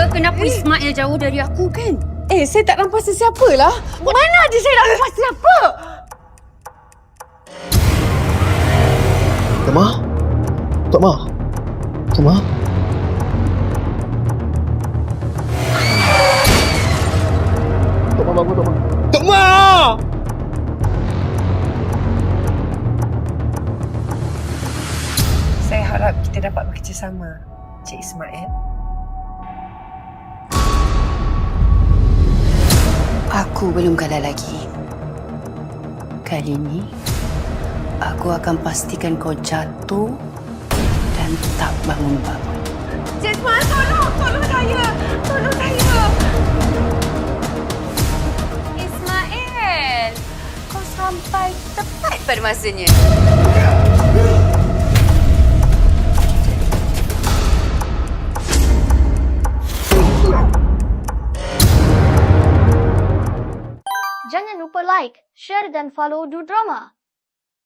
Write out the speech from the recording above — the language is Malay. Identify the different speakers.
Speaker 1: kenapa Ismail jauh dari aku kan?
Speaker 2: Saya tak nampak sesiapa lah.
Speaker 1: Mana ada saya nak nampak siapa?
Speaker 3: Tok Ma? Tok Ma? Tok Ma? Tok Ma bangun, Tok Ma. Tok Ma!
Speaker 2: Saya harap kita dapat bekerjasama, Cik Ismail.
Speaker 4: Aku belum kalah lagi. Kali ini, aku akan pastikan kau jatuh dan tak bangun-bangun.
Speaker 2: Cik Ismail, tolong saya! Tolong saya!
Speaker 1: Ismail, kau sampai tepat pada masanya.
Speaker 5: Jangan lupa like, share dan follow Du Drama.